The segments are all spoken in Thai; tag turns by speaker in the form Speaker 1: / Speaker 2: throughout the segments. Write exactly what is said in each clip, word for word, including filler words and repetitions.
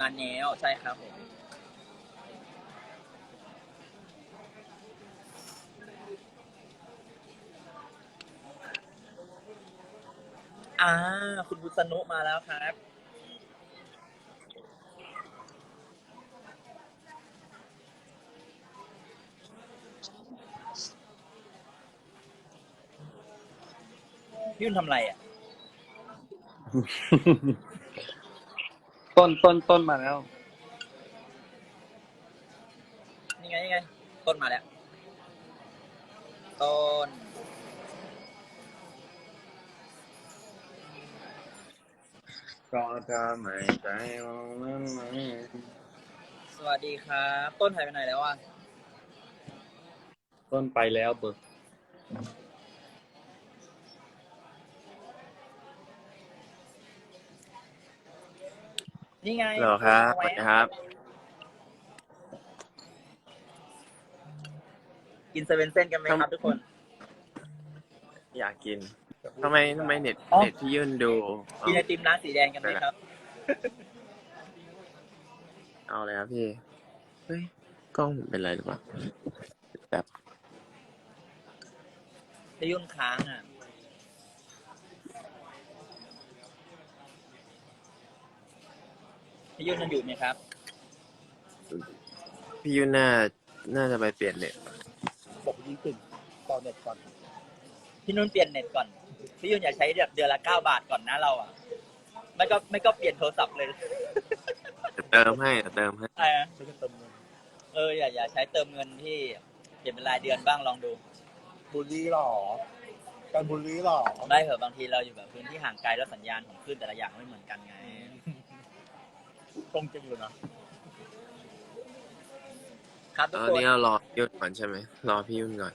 Speaker 1: งานแนวใช่ครับผมอ่าคุณบุษนุมาแล้วครับพี่ยุ่นทำอะไรอ่ะ
Speaker 2: ต้นต้นต้นมาแล้ว
Speaker 1: นี่ไงนี่ไงต้นมาแล้วต้น
Speaker 2: ก็จะไม่ใจมันไหม
Speaker 1: สวัสดีครับต้นหายไปไหนแล้วอ่ะ
Speaker 2: ต้นไปแล้วเบิก
Speaker 1: นี่ไง
Speaker 2: เหรอครับสวัสดีครับ
Speaker 1: กินเซเว่นเส้นกันไหมครับทุกคน
Speaker 2: อยากกินทำไมทำไมเน็ต
Speaker 1: อ๋อ
Speaker 2: เน็ตพี่ยื่นดูเอา
Speaker 1: กินไอติมร้านสีแดงกันไหมครับ
Speaker 2: เอาเลยครับพี่เฮ้ยกล้องผมเป็นไรหรือเปล่าแบบ
Speaker 1: พี่ยุ่นค้างอ่ะพี่ยุ่นยังอยู่ไหมครับ
Speaker 2: พี่ยื่นน่าน่าจะไปเปลี่ยนเน็ต
Speaker 1: บอกยิ่งขึ้นต่อเน็ตก่อนพี่นุ่นเปลี่ยนเน็ตก่อนพี่ยุ่นอยากใช้แบบเดือนละเก้าบาทก่อนนะเราอ่ะไม่ก็ไม่ก็เปลี่ยนโทรศัพท์เลย
Speaker 2: เติมให้เติมให้
Speaker 1: อะไรนะเอออย่าอย่าใช้เติมเงินที่เปลี่ยนเป็นรายเดือนบ้างลองดู
Speaker 3: บูลลี่หรอการบูลลี่หรอ
Speaker 1: ได้เหอะบางทีเราอยู่แบบพื้นที่ห่างไกลแล้วสัญญาณของคลื่นแต่ละอย่างไม่เหมือนกันไง
Speaker 3: ตรงจริงเลยนะครับ
Speaker 1: ทุก
Speaker 2: ตอ
Speaker 1: คน น
Speaker 2: นี้เรารอพี่ยุ่นก่อนใช่ไหมรอพี่ยุ่นก่อน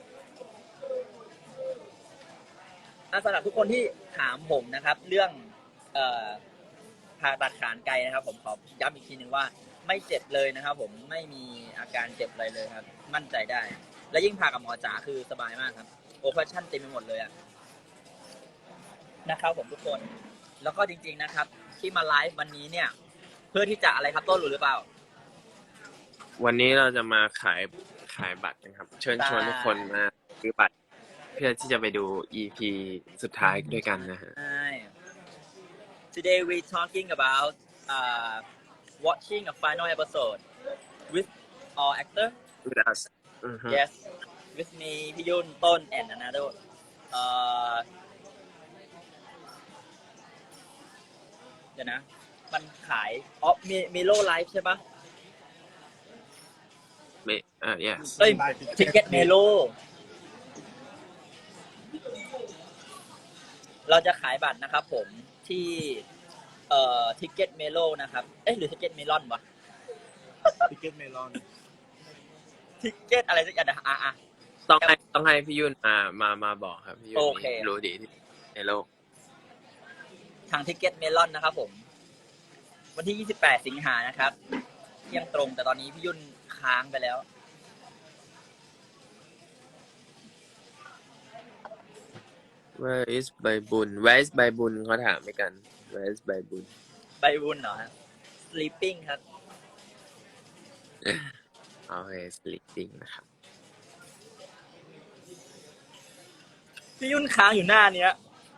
Speaker 1: สำหรับทุกคนที่ถามผมนะครับ เรื่องเอ่อผ่าตัดขานไกลนะครับ ผมขอย้ำอีกทีหนึ่งว่าไม่เจ็บเลยนะครับ ผมไม่มีอาการเจ็บอะไรเลยครับ มั่นใจได้ และยิ่งผ่ากับหมอจ๋าคือสบายมากครับโอเปอเรชั่นเต็มไปหมดเลยอะนะครับ ผมทุกคนแล้วก็จริงๆนะครับ ที่มาไลฟ์วันนี้เนี่ย เพื่อที่จะอะไรครับต้นรู้หรือเปล่า
Speaker 2: วันนี้เราจะมาขายขายบัตรกันครับ เชิญชวนทุกคนมาซื้อบัตรเพื่อที่จะไปดู อี พี สุดท้ายด้วยกันนะฮะ
Speaker 1: Today we talking about uh, watching a final episode with all actor.
Speaker 2: with us Mhm.
Speaker 1: Yes, with me, พี่ยุ่นต้น and another. Uh, เดี๋ยวนะ มันขายอ๋อมีมีโลไลฟ์ใช่ปะ
Speaker 2: Me- uh, yes
Speaker 1: เอ้ยทิกเก็ตเมโลเราจะขายบัตรนะครับผมที่เอ่อทิกเก็ตเมโลนะครับ เอ๊ะหรือทิกเก็ตเมลอนวะ
Speaker 3: ทิกเก็ตเมลอน
Speaker 1: ทิกเก็ตอะไรสักอย่างนะอ่ะอ่ะ
Speaker 2: ต้องให้ต้องให้พี่ยุ่นมามามาบอกครับพี่ยุ่น
Speaker 1: โอเค
Speaker 2: นี่รู้ดีที่ในโลก
Speaker 1: ทางทิกเก็ตเมลอนนะครับผม วันที่ยี่สิบแปดสิงหานะครับเที่ยงตรงแต่ตอนนี้พี่ยุ่นค้างไปแล้ว
Speaker 2: Where is ใบบุญ Where is ใบบุญเขาถามไปกัน Where is ใบบุญ
Speaker 1: ใบบุญเหรอฮะ sleeping ครับ
Speaker 2: โอเค sleeping นะครับ
Speaker 1: พี่ยุ่นค้างอยู่หน้าเนี้ย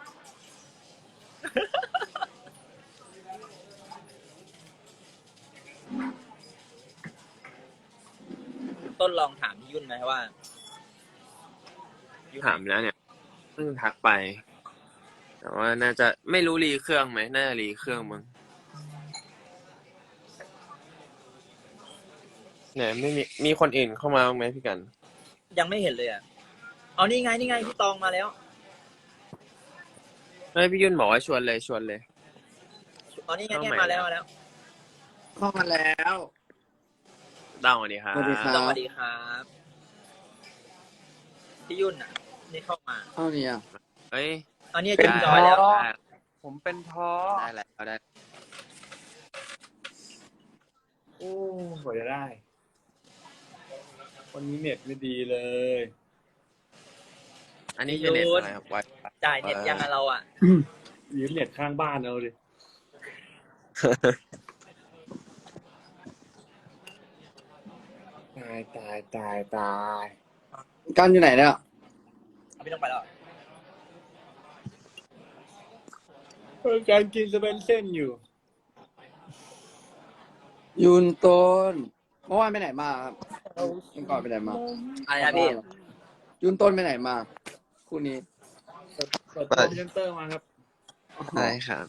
Speaker 1: ต้นลองถามพี่ยุ่นไหมว่ายุ่น
Speaker 2: ถามแล้วเนี่ยเพิ่งทักไป แต่ว่าน่าจะไม่รู้รีเครื่องไหมน่าจะรีเครื่องมั้งเนี่ยไม่มีมีคนอื่นเข้ามาบ้างไหมพี่กัน
Speaker 1: ยังไม่เห็นเลยอ่ะเอานี่ไงนี่ไงพี่ตองมาแล้ว
Speaker 2: เฮ้ยพี่ยุ่นบอกว่าชวนเลยชวนเลย
Speaker 1: เอานี่ไง
Speaker 2: เข้า
Speaker 1: เนี่ย
Speaker 2: ใหม่
Speaker 1: มาแล้วมาแล้ว
Speaker 3: เข้ามาแล้ว
Speaker 2: เต้าสวัสดีครับ
Speaker 3: สวัสดีครับ
Speaker 1: สวัสดีครับพี่ยุ่นอ่ะ นี่เข้ามา
Speaker 3: เท่านี้อ่ะ
Speaker 2: เฮ้ย
Speaker 1: เอาเนี่ย
Speaker 3: เป็
Speaker 1: จิ้
Speaker 3: น
Speaker 1: มจอยแล้ว
Speaker 3: พ่อ
Speaker 2: ได้
Speaker 3: ผมเป็นท้อ
Speaker 2: ได้แล้วได้
Speaker 3: โอ้กว่าจะได้ วันนี้เน็ตไม่ดีเลย
Speaker 2: อันนี้คือเน็ตอะไรครับไว
Speaker 1: จ่ายเน็ตยังอะเราอ่ะ
Speaker 3: ยืมเน็ตข้างบ้านเอาดิ
Speaker 2: ายตายตายตาย
Speaker 3: กันอยู่ไหนเนี่ย
Speaker 1: เอาพี่ต้องไปแล้วเหรอ
Speaker 2: เออการกินจะเป็นเส้นอยู่
Speaker 3: ยุนต้นเมื่อวานไปไหนมาครับเมื่อก่อนไปไหนมา
Speaker 1: อะไรนะพี่
Speaker 3: ยุนต้นไปไหนมาคู่นี้
Speaker 2: เปิดคอมพิวเตอร์มาครับ
Speaker 4: ใช่ครับ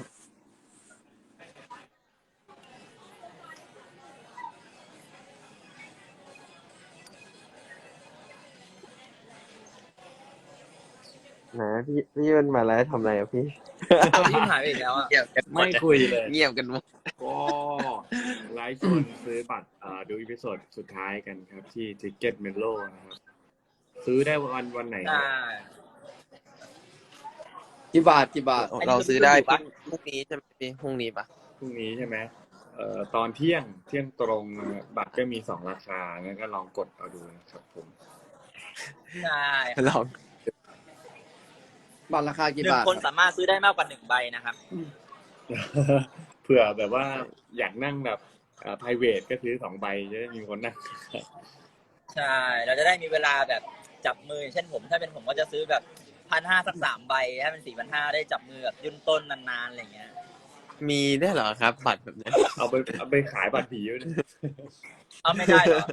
Speaker 4: นะพี่พี่ยุ่นมาแล้วทำอะไรอะพี่
Speaker 1: เอาพี่หายไปอีกแล้วอ่ะ
Speaker 4: เงียบกันหม
Speaker 2: ไม่
Speaker 4: ด
Speaker 2: คุยเลย
Speaker 4: เงียบกันหมด
Speaker 2: ก็ไลฟ์ชวนซื้อบัตรอ่าดูอีพิโซดสุดท้ายกันครับ ที่ Ticket Melo นะครับ ซื้อได้วันวันไหน
Speaker 1: ใช่
Speaker 3: กี่บาทกี่บาท
Speaker 4: เราซื้อได้
Speaker 1: ปะ
Speaker 4: พรุ่งนี้ใช่ไหมพี่พรุ่งนี้ปะ
Speaker 2: พรุ่งนี้ใช่ไหมเอ่อตอนเที่ยงเที่ยงตรงนะครับบัตรก็มีสองราคางั้นก็ลองกดเอาดูนะครับผม
Speaker 1: ใช่
Speaker 4: ลอง
Speaker 3: บาทราคา
Speaker 1: ห
Speaker 3: กี่
Speaker 1: นึ่ง
Speaker 3: บาท
Speaker 1: คนสามารถซื้อได้มากกว่าหนึ่งใบนะครับ
Speaker 2: เผื่อแบบว่าอยากนั่งแบบอ่า private ก็ซื้อสองใบจะได้มีคนนั่ง
Speaker 1: ใช่ เราจะได้มีเวลาแบบจับมือ เช่นผม ถ้าเป็นผมก็จะซื้อแบบพันห้าสักสามใบ ถ้าเป็นสี่พันห้าได้จับมือแบบยุ่นต้นนานๆอะไรเงี้ย
Speaker 4: มีได้วยเหรอครับ บัตรแบบนี้
Speaker 2: เอาไปเอาไปขายบัตรผีด้วยนะ
Speaker 1: เอาไม่ได้เหรอ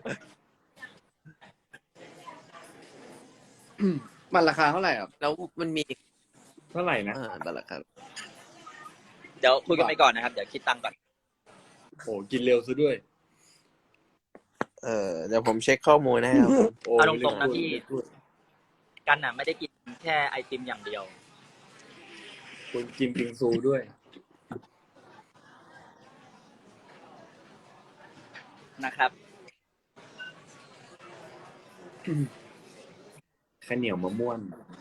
Speaker 3: มันราคาเท่าไหร่ครับ
Speaker 4: แล้วมันมี
Speaker 2: เท่าไหร่นะ
Speaker 4: เออบัตรละครับ
Speaker 1: เดี๋ยวคุยกันไปก่อนนะครับ เดี๋ยวคิดตังค์ก่อน
Speaker 2: โอ้กินเร็วซะด้วย
Speaker 4: เออเดี๋ยวผมเช็คข้อมูลให้ครับ
Speaker 2: โอ้
Speaker 1: เอาตรงๆนะพี่
Speaker 2: ไม่ได้พูด
Speaker 1: กันน่ะไม่ได้กินแค่ไอติมอย่างเดียว
Speaker 2: คุณกินบิงซูด้วย
Speaker 1: นะครับ
Speaker 2: ข้าวเหนียวมะม่วน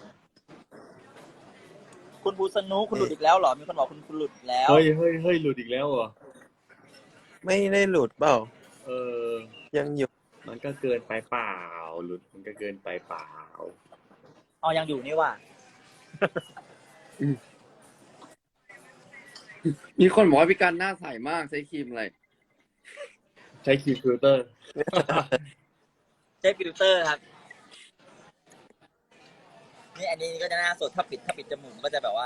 Speaker 1: คุณภูสนุคุณหลุดอีกแล้วเหรอ มีคนบอกคุณคุณหลุดอีกแล้ว
Speaker 2: เฮ้ยเฮ้ยเฮ้ยหลุดอีกแล้วเหรอ
Speaker 4: ไม่ได้หลุดเปล่า
Speaker 2: เออ
Speaker 4: ยังอยู่
Speaker 2: มันก็เกินไปเปล่า หลุดมันก็เกินไปเปล่า
Speaker 1: เอายังอยู่นี่ว่ะ
Speaker 3: มีคนบอกว่าพี่กันหน้าใสมากใช้ครีมอะไร
Speaker 2: ใช้คีย์ฟิลเตอร์
Speaker 1: ใช้ฟิลเตอร์ครับ นี่อันนี้ก็จะหน้าสดถ้าปิดถ้าปิดจมูกก็จะแบบว่า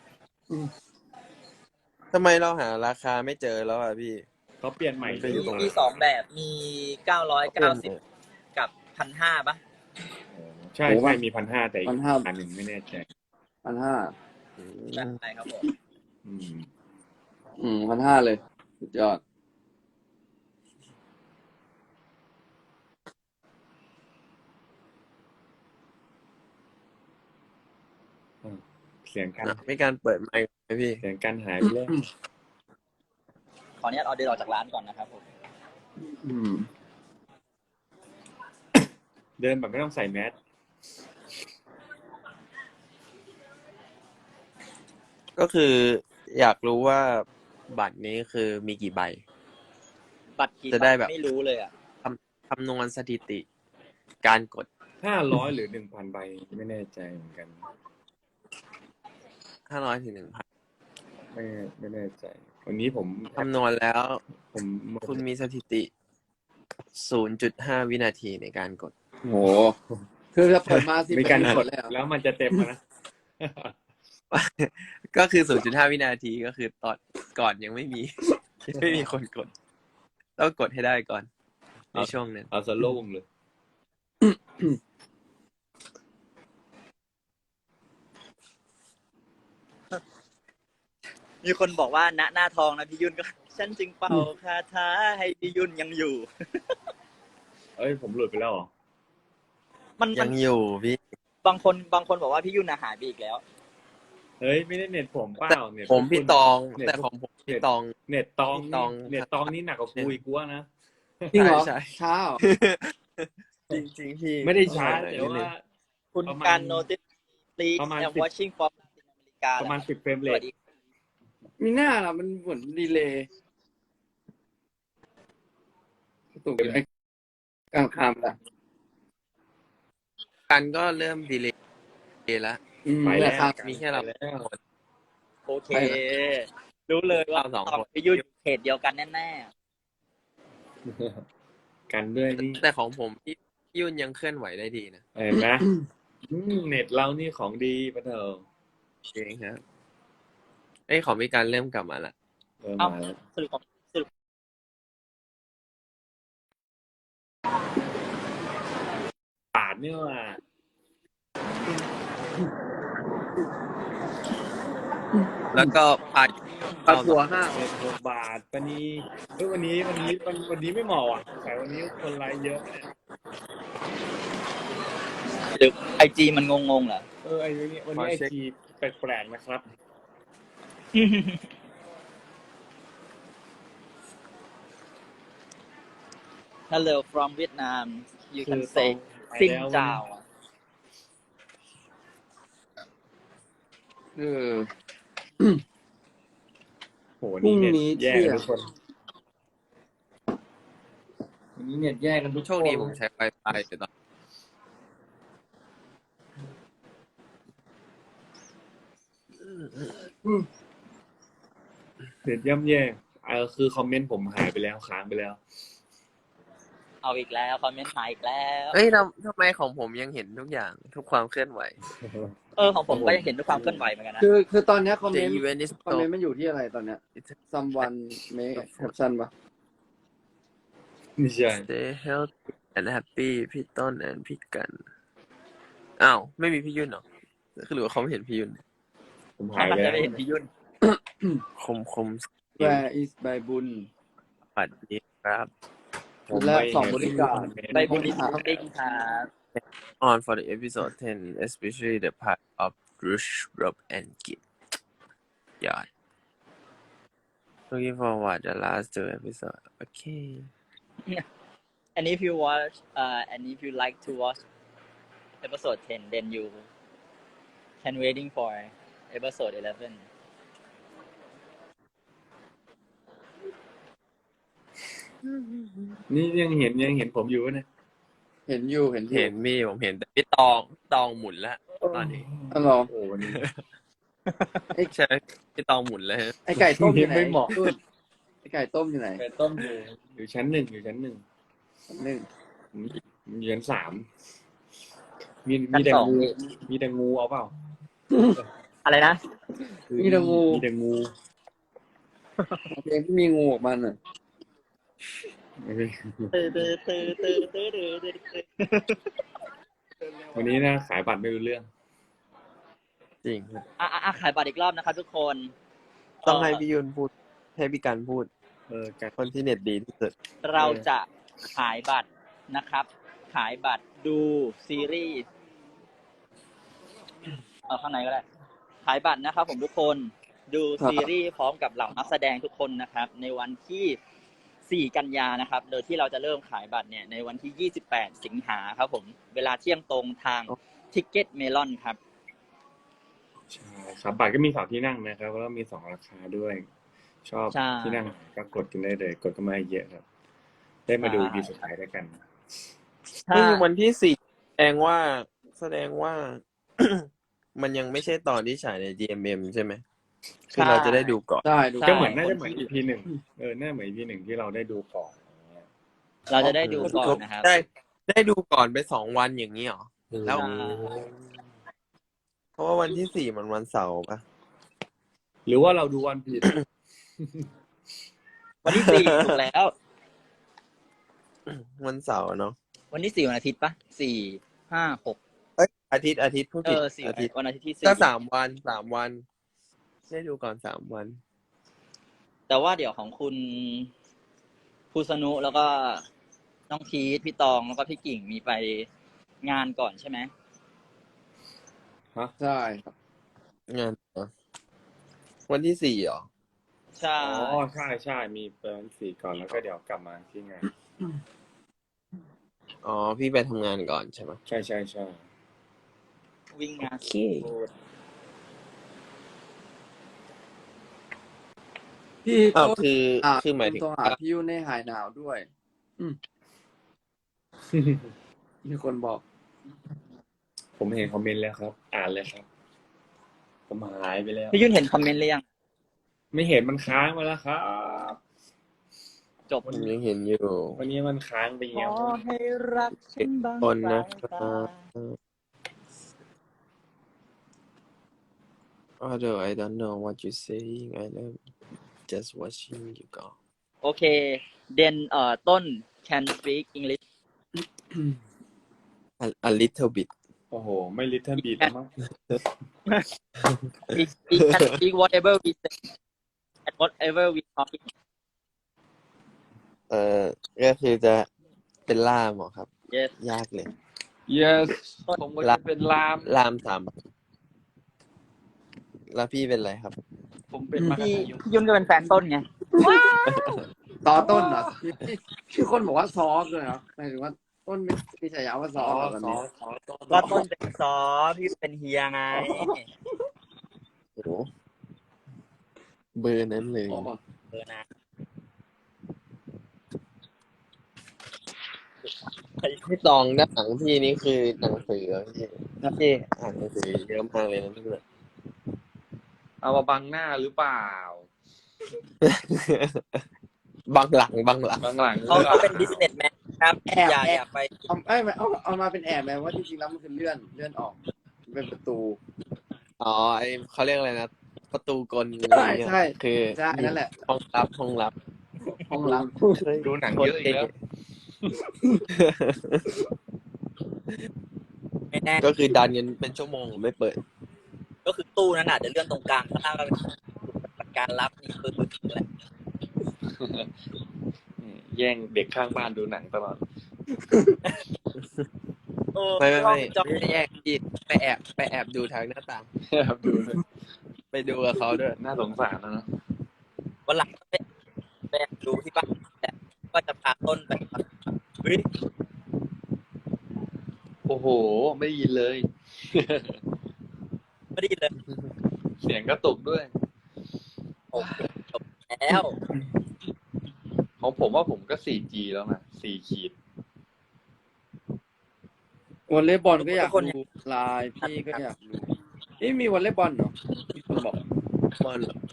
Speaker 4: ทำไมเราหาราคาไม่เจอแล้วอ่ะพี่
Speaker 2: เขาเปลี่ยนใหม่
Speaker 4: ไปอยู่
Speaker 1: มี
Speaker 4: ตรงไหน
Speaker 1: มีสองแบบ มีเก้าร้อยเก้าสิบกับพันห้าปะ
Speaker 2: ใช่
Speaker 3: โอ้
Speaker 2: ใช่
Speaker 3: ว่า
Speaker 2: มีพันห้าแต่อีก
Speaker 3: พันห้า
Speaker 2: อันหนึ่งไม่แน่ใจ
Speaker 3: พันห้า
Speaker 1: ใช่ครับผม
Speaker 2: อืม
Speaker 3: อืมพันห้าเลยสุดยอด
Speaker 2: เสียงกัน
Speaker 4: อ่ะมีการเปิดไมค์ไหมพี่
Speaker 2: เสียงกันหายไปเลย
Speaker 1: ขออนุญาตเอาเดินออกจากร้านก่อนนะครับผม
Speaker 3: อืม
Speaker 2: เดินแบบไม่ต้องใส่แมส
Speaker 4: ก็คืออยากรู้ว่าบัตรนี้คือมีกี่ใบ
Speaker 1: บัตรกี่
Speaker 4: จะได้แบบ
Speaker 1: ไม่รู้เลยอ่ะ
Speaker 4: คำนวณสถิติ การกด
Speaker 2: ห้าร้อยหรือหนึ่งพันใบไม่แน่ใจเหมือนกัน
Speaker 4: ห้าร้อยถึงหนึ่งพัน
Speaker 2: ไม่ไม่แน่ใจ วันนี้ผม
Speaker 4: คำนวณแล้ว
Speaker 2: ผม
Speaker 4: คุณมีสถิติ ศูนย์จุดห้า วินาทีในการกด
Speaker 3: โห คือจะเปิดมาสิบ
Speaker 2: มีการ
Speaker 3: นาที
Speaker 2: กด
Speaker 3: เลยเหรอ
Speaker 2: แล้วมันจะเต็มอะนะ
Speaker 4: ก็คือ ศูนย์จุดห้า วินาทีก็คือตอนก่อนยังไม่มี ยังไม่มีคนกด ต้องกดให้ได้ก่อน ในช่วงนั้น
Speaker 2: เอาสโล่งเลย
Speaker 1: มีคนบอกว่าณหน้าทองนะพี่ยุ่นก็ ฉันจึงเป่าคาถาให้พี่ยุ่นยังอยู่
Speaker 2: เอ้ยผมหลุดไปแล้วเหรอ
Speaker 1: มันมั
Speaker 4: ยั
Speaker 1: น
Speaker 4: งอยู่พี่
Speaker 1: บางคนบางคนบอกว่าพี่ยุ่นน่ะหายไปอีกแล้ว
Speaker 2: เฮ้ยไม่ได้เน็ตผมเปล่าเน็ต
Speaker 4: ผมพี่ตอง
Speaker 2: เน็ต
Speaker 4: แต่ของผมพี่ตอง
Speaker 2: เน็ตตอง
Speaker 4: พี่ตอง
Speaker 2: เน็ตตองนี่หนักกว่ากูอีกกูว่านะ
Speaker 3: จริงเหรอ
Speaker 4: ใช่ใช่
Speaker 3: ช้าเหรอ
Speaker 4: จริงจริงๆพี่
Speaker 2: ไม่ได้ช้า
Speaker 4: เอ
Speaker 2: แต่
Speaker 4: อ
Speaker 2: ว่า
Speaker 1: คุณ
Speaker 2: ประมาณ
Speaker 1: การ notice please
Speaker 2: ประมาณ
Speaker 1: I'm
Speaker 2: สิบ
Speaker 1: watching from Latin America
Speaker 2: ประมาณสิบเฟรม
Speaker 1: ส
Speaker 2: เร
Speaker 1: วั
Speaker 2: ท
Speaker 1: สดี
Speaker 3: มีหน้าล่ะมันเหมือนดีเลย์ตุกอยู่ในกลางคามละ
Speaker 4: กันก็เริ่มดีเลย์แล้ว
Speaker 3: อืม
Speaker 2: ไป
Speaker 3: แห
Speaker 2: แล้
Speaker 3: ละ
Speaker 2: ว
Speaker 3: ครับ
Speaker 4: มีแค่เรา
Speaker 2: ไปแล้ว
Speaker 1: โอเค รู้เลยว่า
Speaker 4: เราสองคน
Speaker 1: พี่ยุ่นอยู่เขตเดียวกันแน่
Speaker 5: กันด้วยนี่
Speaker 4: แต่ของผมพี่พี่ยุ่นยังเคลื่อนไหวได้ดีนะ
Speaker 5: เห็นไหมอืมเน็ตเรานี่ของดีปะเถอะ
Speaker 4: จริงครับเอ้ยของพี่การเริ่มกลับมาละ
Speaker 5: เออ
Speaker 1: เอ้า
Speaker 5: มาแล้ว
Speaker 1: สรุปของสรุป
Speaker 5: บาทเนี่ยว่ะ
Speaker 4: แล้วก็พา
Speaker 3: ปัดหัวห้า
Speaker 5: เจ็ดหกบาทวันนี้เฮ้ยวันนี้วันนี้วันวันนี้ไม่เหมาะอ่ะสายวันนี้คนไลค์เยอะเนี่ย
Speaker 1: หรือไอจีมันงงๆเหรอ
Speaker 5: เออไอ้วันนี้วันนี้ไอจีแปลกๆนะครับ
Speaker 1: Hello from Vietnam you
Speaker 5: คื
Speaker 1: can
Speaker 5: อ
Speaker 1: say
Speaker 5: ไป
Speaker 1: ซิง
Speaker 5: แล้ว
Speaker 1: เจ้า
Speaker 3: เออ
Speaker 5: โหนี่เน็ต
Speaker 3: พรุ่งนี้
Speaker 5: แย่
Speaker 3: เที่
Speaker 5: กัน
Speaker 3: ยง
Speaker 5: ทุกคนวันนี้เน็ตแย่กันทุก
Speaker 4: โชคดีผมใช้ Wi-Fi อยู่ตอน
Speaker 5: เน็ตย่ำแย่เออคือคอมเมนต์ผมหายไปแล้วค้างไปแล้ว
Speaker 1: เอาอีกแล้วคอมเมนต์หายอีกแล้ว
Speaker 4: เอ้ยทำทำไมของผมยังเห็นทุกอย่างทุกความเคลื่อนไหว
Speaker 1: เออของผมก็ยังเห็นด้วยความเคลื่อนไหวเหมือนกันนะ
Speaker 3: คือคือตอนเนี้ยคอมเม
Speaker 4: The
Speaker 3: นต์
Speaker 4: event is
Speaker 3: คอมเมนต์มันอยู่ที่อะไรตอนเนี้ย someone make caption ปะ
Speaker 5: ไม่ใช่
Speaker 4: Stay healthy and happy พี่ต้น and พี่กันอ้าวไม่มีพี่ยุ่นเหรอคือหรือว่าเขาไม่เห็นพี่ยุ่น
Speaker 5: ผมหา
Speaker 1: ถ้าย มัน
Speaker 5: ไป
Speaker 1: จะ
Speaker 5: แล้ว
Speaker 1: ได้เห็นพี่ยุ่น
Speaker 4: คมคม
Speaker 3: where is ใบบุญ
Speaker 4: ปัดนี้ครับ
Speaker 5: ผม
Speaker 3: และ
Speaker 5: ไม่
Speaker 3: สองบริการ
Speaker 1: ใบบุญลิสติ้งครับ
Speaker 4: on for the episode ten especially the part of Rush Rob and Git ยอด looking forward the last two episode okay
Speaker 1: and if you watch uh and if you like to watch episode ten then you can waiting for episode eleven
Speaker 5: นี่ยังเห็นยังเห็นผมอยู่วะเนี่ย
Speaker 3: เห็นอยู่เห็นอยู่
Speaker 4: เห็นมีผมเห็นแต่พี่ตองตองหมุนแล้วตอนนี้
Speaker 3: อ๋อเหรอ
Speaker 5: โอ้วันนี้
Speaker 4: ใช่พี่ตองหมุนแล้วฮะ
Speaker 3: ไอไก่ต้มอยู่ไหน
Speaker 5: ไม่เหมาะ
Speaker 3: ตุ้นไอไก่ต้มอยู่ไหน
Speaker 5: ไก่ต้มอยู่อยู่ชั้นหนึ่งอยู่ชั้นหนึ่ง
Speaker 3: หนึ่ง
Speaker 5: อยู่ชั้นสามมี
Speaker 1: ชั้
Speaker 5: มี
Speaker 1: น
Speaker 5: แต่
Speaker 1: สอง
Speaker 5: งูมีแต่งูเอาเปล่า
Speaker 1: อะไรนะ
Speaker 5: คือ
Speaker 3: มีแต่งู
Speaker 5: มีแต่งู
Speaker 3: เพลงที่มีงูออกมาน่ะ
Speaker 1: ตื่นตื่นตื่นตื่นตื่นตื่นตื่น
Speaker 5: วันนี้นะขายบัตรไม่รู้เรื่อง
Speaker 4: จริง
Speaker 1: อ่ะอ่ะอ่ะขายบัตรอีกรอบนะครับทุกคน
Speaker 4: ต้องให้
Speaker 1: เอ่อ
Speaker 4: พี่ยุนพูดให้พี่กันพูด
Speaker 5: เออกัน
Speaker 4: คนที่เน็ตดีที่สุด
Speaker 1: เราจะขายบัตรนะครับ ขายบัตรดูซีรีส์เอาข้างในก็ได้ ขายบัตรนะครับผมทุกคนดูซีรีส์พร้อมกับเหล่านักแสดงทุกคนนะครับ ในวันที่สี่กันยานะครับ โดยที่เราจะเริ่มขายบัตรเนี่ยในวันที่ยี่สิบแปดสิงหาครับผมเวลาเที่ยงตรงทาง Ticket Melon ครับ
Speaker 5: ใช่ครับบัตรก็มีสองที่นั่งนะครับแล้วก็มีสองราคาด้วย ชอบ
Speaker 1: ใช่
Speaker 5: ที่นั่งก็กดกันได้เลย กดกันมาเยอะครับ ได้มาดู
Speaker 1: ใช่
Speaker 5: ดีสุดท้ายด้วยกัน
Speaker 1: ถ้า
Speaker 4: นี่วันที่สี่แสดงว่าแสดงว่า มันยังไม่ใช่ตอนที่ฉายใน จี เอ็ม เอ็ม ใช่ไหมคือเราจะได้ดูก่อน
Speaker 3: ได้ดู
Speaker 1: ใช่
Speaker 5: ก็เหมือนน่าจะเหมือน อี พี หนึ่งเออน่าเหมือน อี พี หนึ่งที่เราได้ดูก่อนอย่างเงี้ย
Speaker 1: เราจะได้ดูก่อนนะครับ
Speaker 4: ได้ได้ดูก่อนไปสองวันอย่างนี้เหรอ แล้ว
Speaker 1: ใช่
Speaker 4: เพราะว่าวันที่สี่มันวันเสาร์ปะ
Speaker 5: หรือว่าเราดูวันผิด
Speaker 1: วันที่สี่ถูกแล้ว
Speaker 4: วันเสาร์เนาะ
Speaker 1: วันที่สี่วันอาทิตย์ปะสี่ห้าหก
Speaker 4: เอ้ยอาทิตย์อาทิตย์ผู้
Speaker 1: เอ
Speaker 4: ผิด
Speaker 1: อสี่
Speaker 4: อาทิตย์
Speaker 1: วันอาทิตย์ที่สี่
Speaker 4: ก็สามวันสามวัน ได้ดูก่อนสามวัน
Speaker 1: แต่ว่าเดี๋ยวของคุณภูสนุแล้วก็น้องพีทพี่ตองแล้วก็พี่กิ่งมีไปงานก่อนใช่ไหม
Speaker 3: ใช่ครับ
Speaker 4: งานเหรอวันที่สี่เหรอ
Speaker 1: ใช่
Speaker 5: อ๋อใช่ใช่มีเปิดสี่ก่อนแล้วก็เดี๋ยวกลับมาที่งาน
Speaker 4: อ๋อ พี่ไปทำงานก่อนใช่ไหม
Speaker 5: ใช่ใช่ใช่
Speaker 1: วิ่งงาน
Speaker 4: โอเค
Speaker 3: พี่
Speaker 4: อ้าว
Speaker 3: ต้น
Speaker 4: คือ
Speaker 3: อ่ะ
Speaker 4: คือหมายถึง
Speaker 3: โทรหาพี่ยุ่นให้หายหนาวด้วย อืมมีคนบอก
Speaker 5: ผมเห็นคอมเมนต์แล้วครับ อ่านเลยครับ ผมหายไปแล้ว
Speaker 1: พี่ยุ่นเห็นคอมเมนต์หรือยัง
Speaker 5: ไม่เห็นมันค้างมาแล้วครับ
Speaker 1: จบ
Speaker 4: ผมยังเห็นอยู่
Speaker 5: วันนี้มันค้างไป
Speaker 1: ข
Speaker 5: แล้
Speaker 1: อ
Speaker 5: ว
Speaker 1: ให้รักฉันบาง
Speaker 4: คนนะ
Speaker 1: สาย
Speaker 4: ครั
Speaker 1: ตา
Speaker 4: บ Although I don't know what you saying I love just watching you go
Speaker 1: โอเค then เอ่อต้น can speak English
Speaker 4: a, a little bit
Speaker 5: โอ้โห ไม่ลิทเทิลบีทแล้วมั้ง
Speaker 1: we we can speak whatever we say and whatever we talking
Speaker 4: เอ่อก็คือจะเป็นล่ามเหรอครับ
Speaker 1: yes
Speaker 4: ยากเลย
Speaker 5: yes ผมก็จะเป็นลาม
Speaker 4: ล่ามสามแล้วพี่เป็นอะไรครับ
Speaker 5: ผมเป็นมาก
Speaker 1: พี่พี่ยุ่นก็เป็นแฟนต้นไง
Speaker 3: ซอต้นเหรอพี่พี่คนบอกว่าซอเลยเหรอหมายถึงว่าต้นมีมีฉายาว่าซ
Speaker 5: ซ
Speaker 3: อ
Speaker 5: อ
Speaker 3: เหรอแบบ
Speaker 5: ซอ
Speaker 3: นี้
Speaker 5: ซอต้น
Speaker 1: ก็ต้นเป็นซอพี่เป็นเฮียไง
Speaker 4: โอ้โหเบอร์นั้นเลย
Speaker 3: อ๋อ
Speaker 1: เออนะ
Speaker 4: พี่ตองด้านหลังพี่นี่คือหนังสือเหรอพี่
Speaker 1: นะพี่
Speaker 4: อ่านหนังสือเยอะมากเลยนะพี่เนี่ย
Speaker 5: เอามาบังหน้าหรือเปล่า
Speaker 4: บางหลังบางหลัง
Speaker 5: บังหลัง
Speaker 1: เขาเขาเป็น businessman ครับ
Speaker 3: แอบ
Speaker 1: อย่า
Speaker 3: แอ
Speaker 1: อย่า
Speaker 3: บ
Speaker 1: ไป
Speaker 3: เอาเอ้ยเอาเอามาเป็นแอบไหมว่าจริงๆแล้วมันคือเลื่อนเลื่อนออกเป็นประตู
Speaker 4: อ๋อไอเขาเรียกอะไรนะ ประตูกล
Speaker 3: ใช่ใช่
Speaker 4: คือ
Speaker 3: ใช่นั่นแหละ
Speaker 4: ห้องลับห้องลับ
Speaker 3: ห้องลับ
Speaker 5: ดูหนังเยอะอีกแล้ว
Speaker 1: ไม่แน่
Speaker 4: ก็คือดันกันเป็นชั่วโมงไม่เปิด
Speaker 1: ก็คือตู้นั้นอาจจะเลื่อนตรงกลางข้างล่างก็เป็นการรับนี่คืออะไร
Speaker 5: แย่งเด็กข้างบ้านดูหนังตลอด
Speaker 1: เออ
Speaker 4: ไม่ไม่ไม่
Speaker 1: จอ
Speaker 4: ไม่ได้แยกพี่ไปแอบไปแอบดูทางหน้าต่าง
Speaker 5: ครับดูเลย
Speaker 4: ไปดูกับเขาด้วย
Speaker 5: น่าสงสารนะเนอะ
Speaker 1: วันหลังไปไปดูที่บ้านแต่ก็จะพาต้นไปเฮ้ย
Speaker 5: โอ้โห ไม่ได้ยินเลย
Speaker 1: ไม่ได้ยินเลย
Speaker 5: เสียงก็ตกด้วย
Speaker 1: โอเคจบแล้ว
Speaker 5: ของผมว่าผมก็ โฟร์จี แล้วนะสี่ขีด
Speaker 3: วอลเลย์บอลก็อยากดูไลน์พี่ก็อยากดูนี่มีวอลเลย์บอลเหรอมีคนบอก
Speaker 4: บอลเหรอ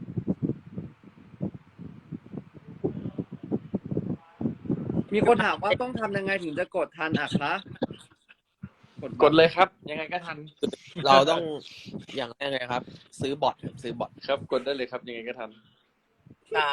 Speaker 3: มีคนถามว่าต้องทำยังไงถึงจะกดทันอ่ะคะ
Speaker 5: กดเลยครับ ยังไงก็ทัน
Speaker 4: เราต้องอย่างแรกเลยครับ ซื้อบอทครับซื้อบอท
Speaker 5: ครับ กดได้เลยครับ ยังไงก็ทัน
Speaker 1: อ่า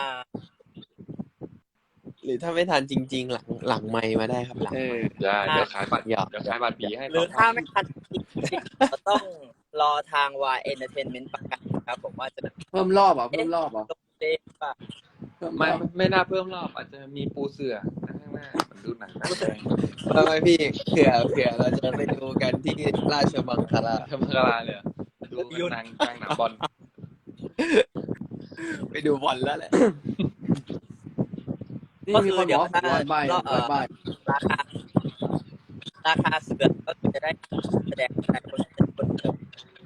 Speaker 4: หรือถ้าไม่ทันจริง ๆ หลังหลังไมค์มาได้ครับหลัง
Speaker 3: เออ
Speaker 5: ได้ เดี๋ยวขายบัตร
Speaker 4: หยอก
Speaker 5: เดี๋ยวขายบัตรปีให้
Speaker 1: หรือ
Speaker 5: สง
Speaker 1: ถ้าไม่ทันจริงๆก็ต้องรอทาง Y Entertainment ประกาศครับผมว่าจะ
Speaker 3: เพิ่มรอบเหรอ่ะเพิ่มรอบเหรอ่ะ
Speaker 1: ลงเล่นป่ะ
Speaker 3: เพิ่มร
Speaker 5: ไม่
Speaker 3: อบ
Speaker 5: ไม่น่าเพิ่มรอบ อาจจะมีปูเสือข้างหน้าเหมันดูหนังหน้าแดง
Speaker 4: ทำไมพี่เผื่อเผื่อเราจะไปดูกันที่ราชบังคลา
Speaker 5: ทำกลาเลยเหรอดูกันหนังกลางหนังบอล
Speaker 4: ไปดูบอลแล้วแหละ
Speaker 3: นี่มีคนบอกว่าร้อยใบร้อยใบ
Speaker 1: ราคาราคาเสือก็คือจะได้แสดงแสดงคนคนเดิม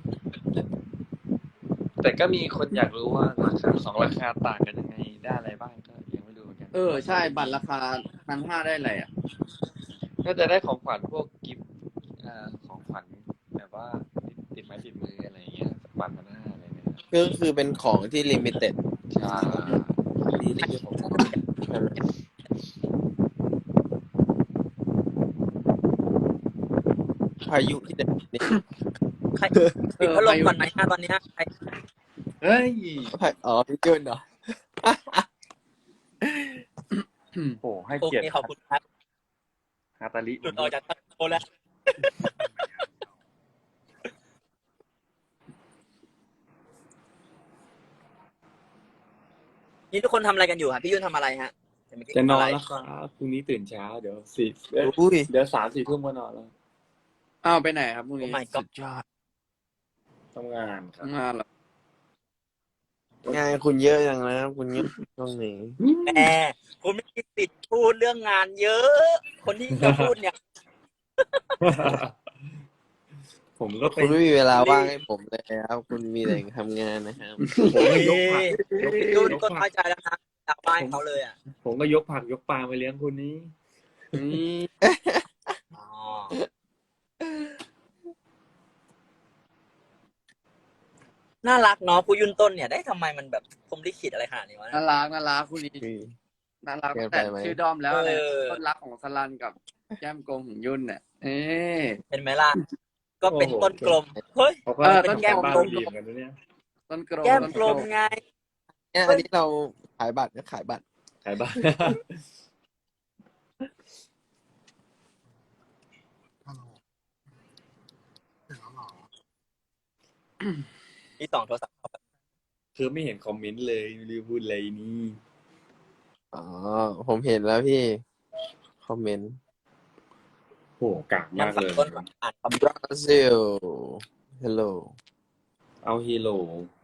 Speaker 5: แต่ก็มีคนอยากรู้ว่าราคาสองราคาต่างกันยังไง ได้อะไรบ้างก็ยังไม่รู้เหมือนกัน
Speaker 3: เออใช่บัตรราคาพันห้าได้อะไรอ่ะ
Speaker 5: ก็จะได้ของขวัญพวกกิฟต์เอ่อของขวัญแบบว่าติดติดไม้ติดมืออะไรอย่างเงี้ยสักบัตรพันห้าอะไรเนี่ย
Speaker 4: ก็คือเป็นของที่ลิมิเต็ด
Speaker 5: ใช่
Speaker 4: นี่นี่คือของพายุที่เด็ดนี่
Speaker 1: ใครปิดพัดลมก่อนไหมฮะตอนเนี้ยใคร
Speaker 5: เฮ้ย
Speaker 4: อ๋อพี่จุนเหรอ
Speaker 5: โอ้ให้
Speaker 1: โอ
Speaker 5: เกียร
Speaker 1: เค
Speaker 5: ติ
Speaker 1: ขอบคุณครับ
Speaker 5: ฮาตาลิ
Speaker 1: หลุดออกจากตั้งโตแล้ว นี่ทุกคนทำอะไรกันอยู่ฮะพี่ยุ่นทำอะไรฮะ
Speaker 5: จะนอนแล้วครับพรุ่งนี้ตื่นเช้าเดี๋ยวสี่เอ้ย
Speaker 4: อุ้ย
Speaker 5: เดี๋ยวสามสี่ทุ่มก็นอนแล้ว
Speaker 3: อ้าวไปไหนครับพรุ่ง
Speaker 1: โอ้
Speaker 3: นี้
Speaker 1: ไม่ก็
Speaker 4: สุดยอด
Speaker 5: ทำงานครับ
Speaker 3: ทำงานเหรอง
Speaker 4: านคุณเยอะอย่างนะคุณเยอะช่วงนี้
Speaker 1: แหมคุณไม่มีสิทธิ์พูดเรื่องงานเยอะ คนที่จะพูดเนี่ย
Speaker 5: ผมก็ไป
Speaker 4: คุณไม่มีเวลาว่างให้ผมเลยครับ คุณมีแต่ทำงานนะครับ
Speaker 5: ผมก็ยกผักยก
Speaker 1: ยุ่น
Speaker 5: ยก
Speaker 1: ก็
Speaker 5: ผั
Speaker 1: น้อก ยใจแล้วนะอยากบ้านเขาเลยอ่ะ
Speaker 5: ผมก็ยกผักยกปลามาเลี้ยงคุณนี้
Speaker 3: อืม
Speaker 1: อ๋อน่ารักเนาะผู้ยุ่นต้นเนี่ยได้ทำไมมันแบบพรหมลิขิตอะไรขนาดนี้วะ
Speaker 3: น่ารักน่ารักคู่นี้น่ารัก
Speaker 4: เกินไป
Speaker 3: แต่
Speaker 4: ไหม
Speaker 3: ชื่อด้อมแล้วอะไร
Speaker 1: เออ
Speaker 3: ต้นรักของสลันกับแก้มกลมของยุ่นเนี่ยเอ๊ะ
Speaker 1: เห็นไหมล่ะ ก็เป็น
Speaker 5: โอ้โห
Speaker 1: ต้นกลม เฮ้ย
Speaker 5: เขาก็
Speaker 3: เออ
Speaker 5: เป็น
Speaker 3: ต้น
Speaker 5: แก้ม
Speaker 3: กลม
Speaker 5: บ้าน
Speaker 3: ต้น
Speaker 5: ดี
Speaker 3: กลม
Speaker 5: เหมือนกันนะเนี่ย
Speaker 3: ต้นกลม
Speaker 1: แก้ม
Speaker 3: ต้น
Speaker 1: กลมไง
Speaker 4: เนี่ยอันนี้เราขายบัตรก็ขายบัตร
Speaker 5: ขายบ้าน
Speaker 1: ที่สองโทรศัพท์
Speaker 5: คือไม่เห็นคอมเมนต์เลยไม่รู้พูดอะไรนี่
Speaker 4: อ๋อ ผมเห็นแล้วพี่ คอมเมนต์
Speaker 5: โหกาก
Speaker 1: งั้
Speaker 5: มาน ก
Speaker 1: ฝาก
Speaker 5: เลย
Speaker 1: ต้นอ่านคอมเมนต์
Speaker 4: บราซิล hello
Speaker 5: เอาฮีโร่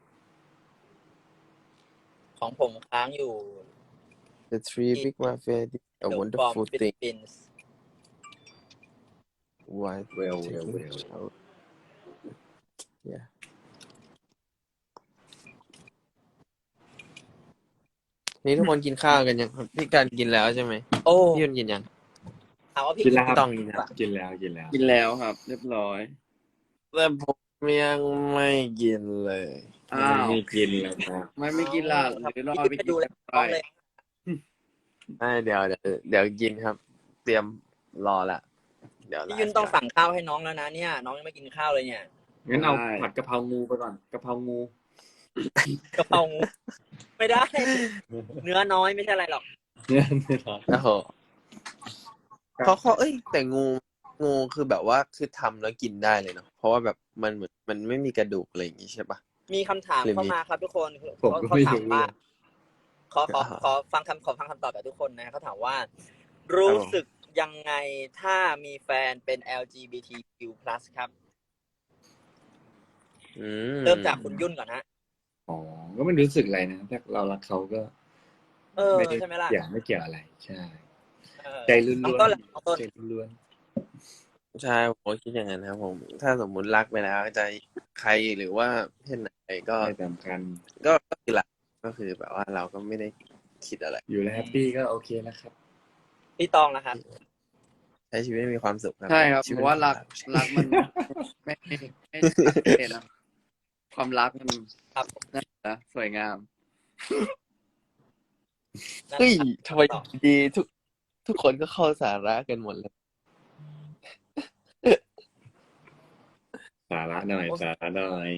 Speaker 1: ของผมค้างอยู่
Speaker 4: the three big mafia did a
Speaker 1: The
Speaker 4: wonderful
Speaker 1: from
Speaker 4: thing
Speaker 1: Philippines
Speaker 4: why
Speaker 5: เวลเวลเวล
Speaker 4: out yeah นี่ทุกคนกินข้าวกันยังครับพี่การกินแล้วใช่ไหม
Speaker 1: โอ้
Speaker 4: พี่ยุนกินยัง
Speaker 1: ถามว่าพี่
Speaker 5: กินแล้วค
Speaker 4: พี่
Speaker 5: รับ
Speaker 4: ต้องกินยัง
Speaker 5: กินแล้วกินแล้ว
Speaker 3: กินแล้วครับ เรียบร้อย
Speaker 4: แต่ผมยังไม่กินเลย
Speaker 3: อ้าว
Speaker 5: ไม่กินแล้วครับ
Speaker 3: ไม่ไม่กินล่ะหรือรอ
Speaker 1: พี่
Speaker 3: ไป
Speaker 1: ไป
Speaker 3: กิ
Speaker 1: ดู
Speaker 3: น
Speaker 1: แล
Speaker 3: ไป
Speaker 1: น้องเลย
Speaker 4: ไม่เดี๋ยวเดี๋ยวเดี๋ยวกินครับ เตรียมรอละเดี๋ยว
Speaker 1: พี่ยุนต้องสั่งข้าวให้น้องแล้วนะเนี่ย น้องยังไม่กินข้าวเลยเนี่ย
Speaker 5: งั้นเอาผัดกะเพรางูไปก่อนกะเพรางู
Speaker 1: กะเพรางูไม่ได้ เนื้อน้อยไม่ใช่อะไรหรอก
Speaker 5: เนี่ยไม่ทอด
Speaker 4: โอ้โหเขาเขาเอ้ย แต่งูงูคือแบบว่าคือทำแล้วกินได้เลยเนาะเพราะว่าแบบมันเหมือนมันไม่มีกระดูกอะไรอย่างงี้ใช่ปะ
Speaker 1: มีคำถาม
Speaker 4: หรือมี
Speaker 1: เข้ามาครับทุกคน
Speaker 5: ผม
Speaker 1: เขา
Speaker 5: ก็
Speaker 1: เขา
Speaker 5: ไม่
Speaker 1: ถาม
Speaker 5: รู้
Speaker 1: ว่า
Speaker 5: เลย
Speaker 1: ขอขอ
Speaker 4: อ่า
Speaker 1: ขอฟังคำขอฟังคำตอบจากทุกคนนะเขาถามว่า รู้สึกยังไงถ้ามีแฟนเป็น แอล จี บี ที คิว พลัส ครับ
Speaker 4: อืม
Speaker 1: เริ่มจากคุณยุ่นก่อนฮะ
Speaker 5: อ๋อก็ไม่รู้สึกอะไรนะถ้าเรารักเขาก็
Speaker 1: เออ
Speaker 5: ไม่ได้
Speaker 1: ใช่ไหมล่ะ
Speaker 5: เกี่ยวไม่เกี่ยวอะไร ใช่
Speaker 1: เออ
Speaker 5: ใจล้วน
Speaker 1: น้องต้นล่ะน้องต้น
Speaker 5: ๆใจล้วน
Speaker 4: ใช่ผมก็คิดอย่างนั้นครับผม ถ้าสมมุติรักไปแล้วจะใครหรือว่าเพศไหนก็
Speaker 5: ๆไม่สำคัญ
Speaker 4: ก็ก็คือรักก็คือแบบว่าเราก็ไม่ได้คิดอะไร
Speaker 5: อยู่แล้วแฮปปี้ก็โอเคแล้วครับ
Speaker 1: พี่ตองนะครับ
Speaker 4: ใช้ชีวิตให้มีความสุขครับ
Speaker 3: ใช่ครับ
Speaker 4: ชี
Speaker 3: เพ
Speaker 4: วิต
Speaker 3: ราะว่ารัก
Speaker 4: ของเ
Speaker 3: รักมันไม่ไม่ไม่ชัดเจนนะความรักมัน
Speaker 1: ครับ
Speaker 3: นั่นนะสวยงาม
Speaker 4: เฮ้ยทำไมดีทุกทุกคนก็เข้าสาระกันหมดเลย
Speaker 5: สาระหน่อยสาระหน่อย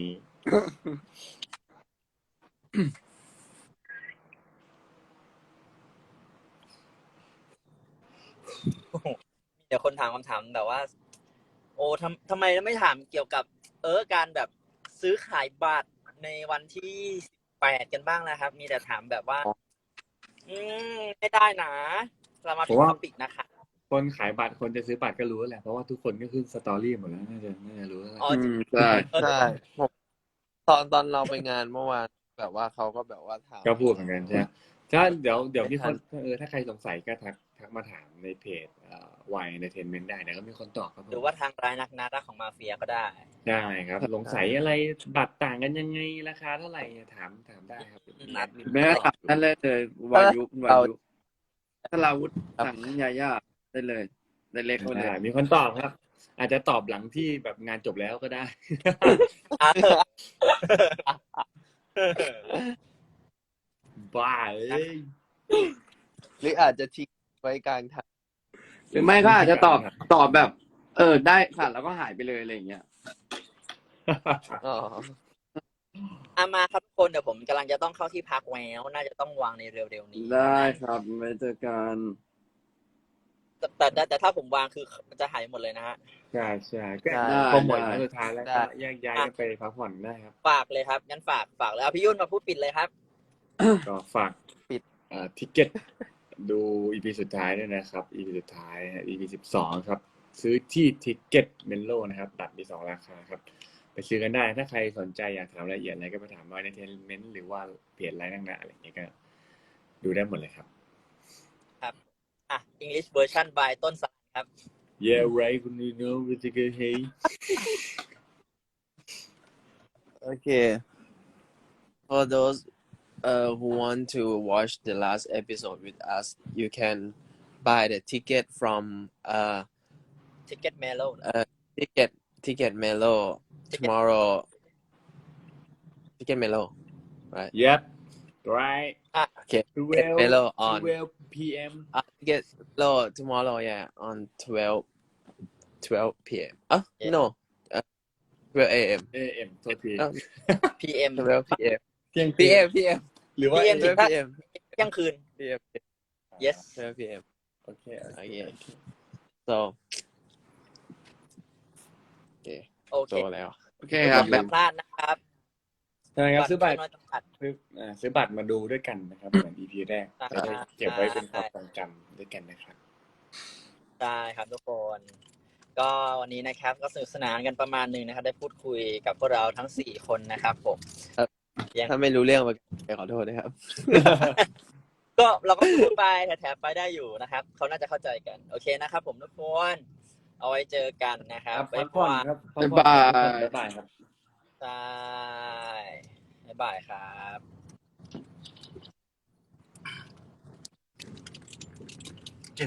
Speaker 1: มีแต่คนถามคำถามแบบว่า โอ้ทำทำไมไม่ถามเกี่ยวกับ เออการแบบซื้อขายบัตรในวันที่แปดกันบ้างนะครับ มีแต่ถามแบบว่า อืมไม่ได้นะเรามา
Speaker 5: เพ
Speaker 1: ถึง
Speaker 5: ราะว่า
Speaker 1: ท็อปิกนะคะ
Speaker 5: คนขายบัตรคนจะซื้อบัตรก็รู้แหละเพราะว่าทุกคนก็ขึ้นสตอรี่หมดแล้วน่าจะน่าจะรู้แล้วแหละ
Speaker 1: อ๋อ
Speaker 3: อืมใช่
Speaker 4: ใช่ผมตอนตอนเราไปงานเมื่อวานแบบว่าเขาก็แบบว่าถาม
Speaker 5: ก็พูดเหมือนกันใช่ไหมถ้าเดี๋ยวเดี๋ยวมีคน
Speaker 4: ไม่ทัน
Speaker 5: เออถ้าใครสงสัยก็ทักทักมาถามในเพจวายเอนเตอร์เทนเมนต์ได้เดี๋ยวก็มีคนตอบครับผม
Speaker 1: หรือว่าทางรายนักนารักของมาเฟียก็ได้
Speaker 5: ได้ครับสงสัยอะไรบัตรต่างกันยังไงราคาเท่าไหร่ถามถามได้ครับ
Speaker 1: นัด
Speaker 3: แม่ถามนั่นเลยเลยวายุวายุถ้าลาวุธสั่งยาย่าได้เลยได้เล็กเขาเล
Speaker 5: ได้
Speaker 3: ย
Speaker 5: มีคนตอบครับ อาจจะตอบหลังที่แบบงานจบแล้วก็ได้
Speaker 1: อ่ะ
Speaker 5: บ้าเอ้ย
Speaker 4: หรืออาจจะทิ้งไว้กลางทาง
Speaker 3: หรือไม่ก็อาจจะตอบตอบแบบ เออได้ค่ะแล้วก็หายไปเลยอะไรอย่างเงี้ย
Speaker 4: อ๋อ
Speaker 1: อามาครับทุกคนเดี๋ยวผมกำลังจะต้องเข้าที่พักแล้วน่าจะต้องวางในเร็วๆนี้
Speaker 3: ได้ครับไม่เจอกัน
Speaker 1: แต่แต่แต่แต่ถ้าผมวางคือมันจะหายหมดเลยนะฮะ
Speaker 5: ใช่ใช่ก็
Speaker 4: ได้
Speaker 5: พอหมดแล้วสุดท้ายแล้วก็แยกย้ายกันไปพักผ่อนได้ครับ
Speaker 1: ฝากเลยครับงั้นฝากฝากเลยเอาพี่ยุ่นมาพูดปิดเลยครับ
Speaker 5: ก็ฝาก
Speaker 4: ปิด
Speaker 5: เอ่อทิเก็ตดู อี พี สุดท้ายด้วยนะครับ อี พี สุดท้าย อี พี สิบสองครับ ซื้อที่ทิเก็ตเมนโลนะครับบัตรมีสองราคาครับ ไปซื้อกันได้ถ้าใครสนใจอยากถามรายละเอียดอะไรก็ไปถามว่าในเทนเมนต์หรือว่าเพจไลน์นั่งหน้าอะไรอย่างเงี้ยก็ดูได้หมดเลยครับ
Speaker 1: อ่ะ English version by ต้นสายครับ
Speaker 5: Yeah right คุณดูโน้วิจิเกเฮ
Speaker 4: Okay. For those uh, who want to watch the last episode with us, you can buy the ticket from uh
Speaker 1: Ticket Mellow
Speaker 4: uh ticket ticket Melo tomorrow. Ticket Melo, right?
Speaker 5: Yep right
Speaker 1: อ่ะ
Speaker 4: Okay, get
Speaker 5: twelve
Speaker 4: mellow on
Speaker 5: twelve p.m.
Speaker 4: uh, get mellow tomorrow. Yeah, on twelve twelve p.m. Ah,
Speaker 1: Yeah.
Speaker 4: no, uh, twelve a.m.
Speaker 5: a.m. โทษที
Speaker 4: No,
Speaker 1: พี เอ็ม
Speaker 4: twelve p.m.
Speaker 5: เที่ยงคืน
Speaker 4: p.m. p.m.
Speaker 5: หรือว่า
Speaker 1: พี เอ็ม
Speaker 5: a.m.
Speaker 1: ถึง
Speaker 4: twelve p.m.
Speaker 1: เที่ยงคืน
Speaker 4: p.m.
Speaker 1: yes
Speaker 4: twelve p.m.
Speaker 5: โอเคโอเค
Speaker 4: Okay.
Speaker 5: โอเค
Speaker 4: So, okay,
Speaker 1: โอเค
Speaker 4: โตแล้ว
Speaker 3: โอเคครับ
Speaker 1: อย่าพลาดนะครับ
Speaker 5: ใช่ครับซื้อบัตร
Speaker 1: น้อยจำกัด
Speaker 5: ซื้ออ่าซื้อบัตรมาดูด้วยกันนะครับเหมือน อี พี แรก
Speaker 1: ใช่
Speaker 5: จะได้เก็บไว้เป็นความทรงจำด้วยกันนะครับ
Speaker 1: ได้ครับทุกคน ก็วันนี้นะครับก็สนุกสนานกันประมาณหนึ่งนะครับ ได้พูดคุยกับพวกเราทั้งสี่คนนะครับผม
Speaker 4: ครับ
Speaker 1: ยัง
Speaker 4: ถ้าไม่รู้เรื่องมาขอโทษนะครับ
Speaker 1: ก็เราก็พูดไปแถมๆไปได้อยู่นะครับเขาน่าจะเข้าใจกัน โอเคนะครับผมทุกคน เอาไว้เจอกันนะครับ
Speaker 5: ครับพั
Speaker 1: บ๊าก ย
Speaker 5: ผ่อน
Speaker 1: บาย
Speaker 5: ครับ
Speaker 3: บ๊ายบาย
Speaker 5: บ๊ายบายครับ
Speaker 1: ใช่บ๊ายบายครับ